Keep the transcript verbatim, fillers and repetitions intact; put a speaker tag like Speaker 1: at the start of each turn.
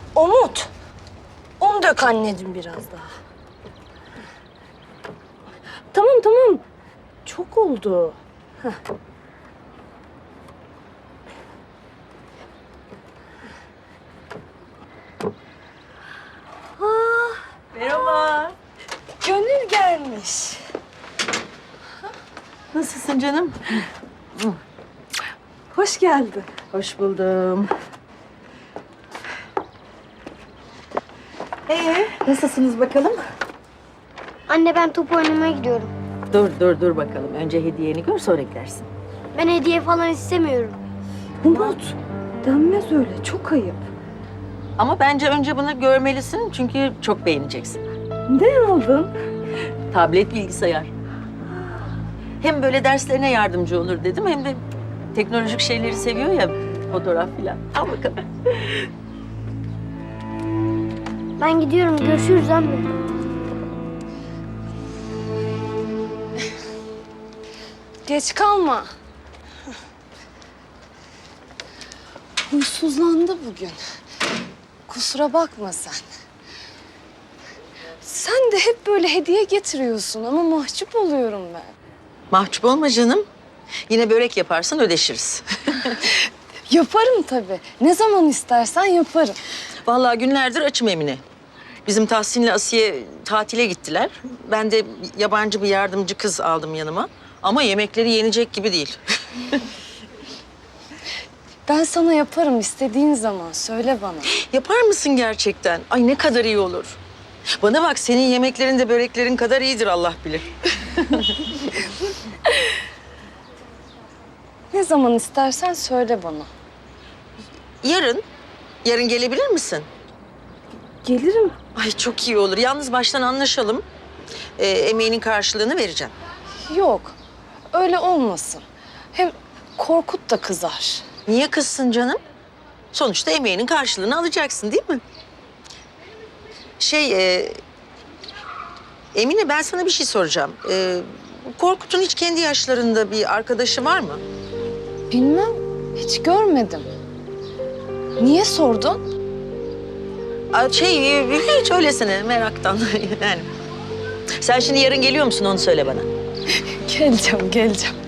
Speaker 1: Umut. Un dök anneciğim biraz daha. Tamam tamam. Çok oldu. Heh. Ah,
Speaker 2: Merhaba.
Speaker 1: Gönül gelmiş.
Speaker 2: Nasılsın canım?
Speaker 1: Hoş geldin.
Speaker 2: Hoş buldum. Ee, nasılsınız bakalım?
Speaker 3: Anne ben top oynamaya gidiyorum.
Speaker 2: Dur, dur, dur bakalım. Önce hediyeni gör, sonra gidersin.
Speaker 3: Ben hediye falan istemiyorum.
Speaker 1: Umut. Denmez öyle. Çok ayıp.
Speaker 2: Ama bence önce bunu görmelisin çünkü çok beğeneceksin.
Speaker 1: Ne aldın?
Speaker 2: Tablet, bilgisayar. Hem böyle derslerine yardımcı olur dedim hem de teknolojik şeyleri seviyor ya, fotoğraf filan. Al bakalım.
Speaker 3: Ben gidiyorum. Görüşürüz anne.
Speaker 1: Geç kalma. Huysuzlandı bugün. Kusura bakma sen. Sen de hep böyle hediye getiriyorsun ama mahcup oluyorum ben.
Speaker 2: Mahcup olma canım. Yine börek yaparsın, ödeşiriz.
Speaker 1: Yaparım tabii. Ne zaman istersen yaparım.
Speaker 2: Vallahi günlerdir açım Emine. Bizim Tahsin'le Asiye tatile gittiler. Ben de yabancı bir yardımcı kız aldım yanıma. Ama yemekleri yenecek gibi değil.
Speaker 1: Ben sana yaparım istediğin zaman. Söyle bana.
Speaker 2: Yapar mısın gerçekten? Ay ne kadar iyi olur. Bana bak, senin yemeklerin de böreklerin kadar iyidir Allah bilir.
Speaker 1: Ne zaman istersen söyle bana.
Speaker 2: Yarın, yarın gelebilir misin?
Speaker 1: Gelirim.
Speaker 2: Ay çok iyi olur. Yalnız baştan anlaşalım. Ee, emeğinin karşılığını vereceğim.
Speaker 1: Yok. Öyle olmasın. Hem Korkut da kızar.
Speaker 2: Niye kızsın canım? Sonuçta emeğinin karşılığını alacaksın değil mi? Şey, e, Emine ben sana bir şey soracağım. Ee, Korkut'un hiç kendi yaşlarında bir arkadaşı var mı?
Speaker 1: Bilmem. Hiç görmedim. Niye sordun?
Speaker 2: Aa, Şey, e, hiç öylesine meraktan yani. Sen şimdi yarın geliyor musun onu söyle bana.
Speaker 1: Geleceğim, geleceğim.